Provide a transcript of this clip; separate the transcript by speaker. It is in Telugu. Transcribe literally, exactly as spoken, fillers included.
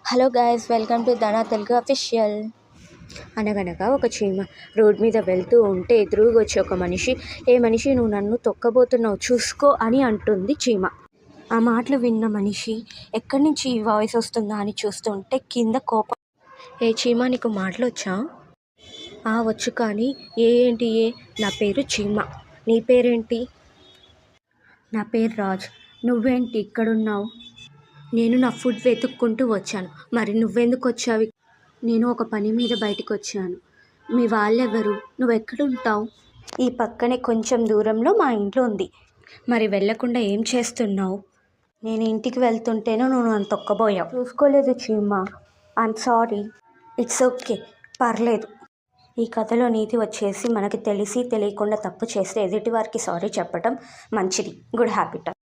Speaker 1: Hello guys, welcome to Dhana Telugu official. అనగనగా ఒక చీమ రోడ్ మీద వెళ్తూ ఉంటే ఎదురుగా వచ్చి ఒక మనిషి, ఏ మనిషి నువ్వు నన్ను తొక్కబోతున్నావు చూసుకో అని అంటుంది చీమ. ఆ మాటలు విన్న మనిషి ఎక్కడి నుంచి ఈ వాయిస్ వస్తుందా అని చూస్తుంటే కింద కోపం. ఏ చీమ, నీకు మాటలు వచ్చా? ఆ వచ్చు, కానీ ఏ ఏంటి ఏ? నా పేరు చీమ. నీ పేరేంటి? నా పేరు రాజ్. నువ్వేంటి ఇక్కడున్నావు? నేను నా ఫుడ్ వెతుక్కుంటూ వచ్చాను. మరి నువ్వెందుకు వచ్చావు? నేను ఒక పని మీద బయటకు వచ్చాను. మీ వాళ్ళెవరు? నువ్వెక్కడుంటావు? ఈ పక్కనే కొంచెం దూరంలో మా ఇంట్లో ఉంది. మరి వెళ్ళకుండా ఏం చేస్తున్నావు? నేను ఇంటికి వెళ్తుంటేనో నువ్వు నన్ను తొక్కబోయావు. చూసుకోలేదు చీమ. I'm sorry. ఇట్స్ ఓకే, పర్లేదు. ఈ కథలో నీతి వచ్చేసి, మనకి తెలిసి తెలియకుండా తప్పు చేస్తే ఎదుటి వారికి సారీ చెప్పటం మంచిది, గుడ్ హ్యాబిట్.